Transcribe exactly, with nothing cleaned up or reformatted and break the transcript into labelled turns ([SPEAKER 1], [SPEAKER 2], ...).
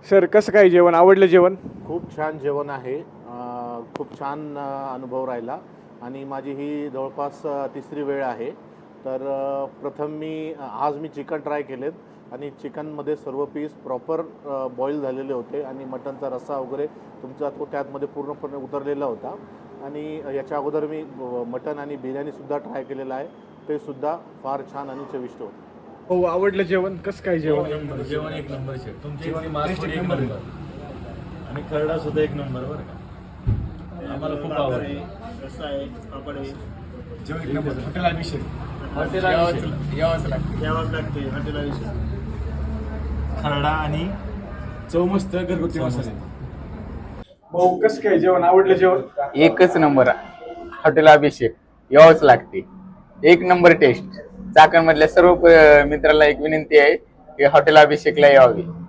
[SPEAKER 1] Sir कसं काय जेवण आवडलं जेवण?
[SPEAKER 2] खूप छान जेवण आहे. अ, खूप छान अ, अनुभव राहिला आणि माझी ही जवळपास अ, तिसरी वेळ आहे. तर अ, प्रथम मी अ, आज मी चिकन ट्राय केलेत आणि चिकनमध्ये सर्व पीस प्रॉपर अ, बॉईल झालेले होते आणि मटनचा रस्सा वगैरे तुमचा तो त्यातमध्ये पूर्णपणे उतरलेला होता. आणि याच्या अगोदर मी ब मटण आणि बिर्याणीसुद्धा ट्राय केलेलं आहे. ते सुद्धा फार छान आणि चविष्ट होतं.
[SPEAKER 1] हो आवडलं जेवण कसं काय जेवण?
[SPEAKER 3] एक नंबर जेवण एक नंबर शेफ. तुमची इथली मासवडी एक नंबर आणि खरडा सुद्धा एक नंबर बरं का. आम्हाला खूप आवडलं.
[SPEAKER 4] रस्सा आहे, पापड आहे.
[SPEAKER 1] जेवण एक number. Hotel Abhishek.
[SPEAKER 3] Hotel Abhishek.
[SPEAKER 4] यावंच लागते यावंच लागते हॉटेल आयुष्य.
[SPEAKER 3] खरडा आणि
[SPEAKER 1] चव मस्त घरगुती मसाले. भाऊ कसं काय जेवण आवडलं जेवण?
[SPEAKER 5] एकच नंबर हॉटेल अभिषेक यावंच लागते. एक नंबर टेस्ट. चाकणमधल्या सर्व प- मित्राला एक विनंती आहे की हॉटेल अभिषेकला यावे.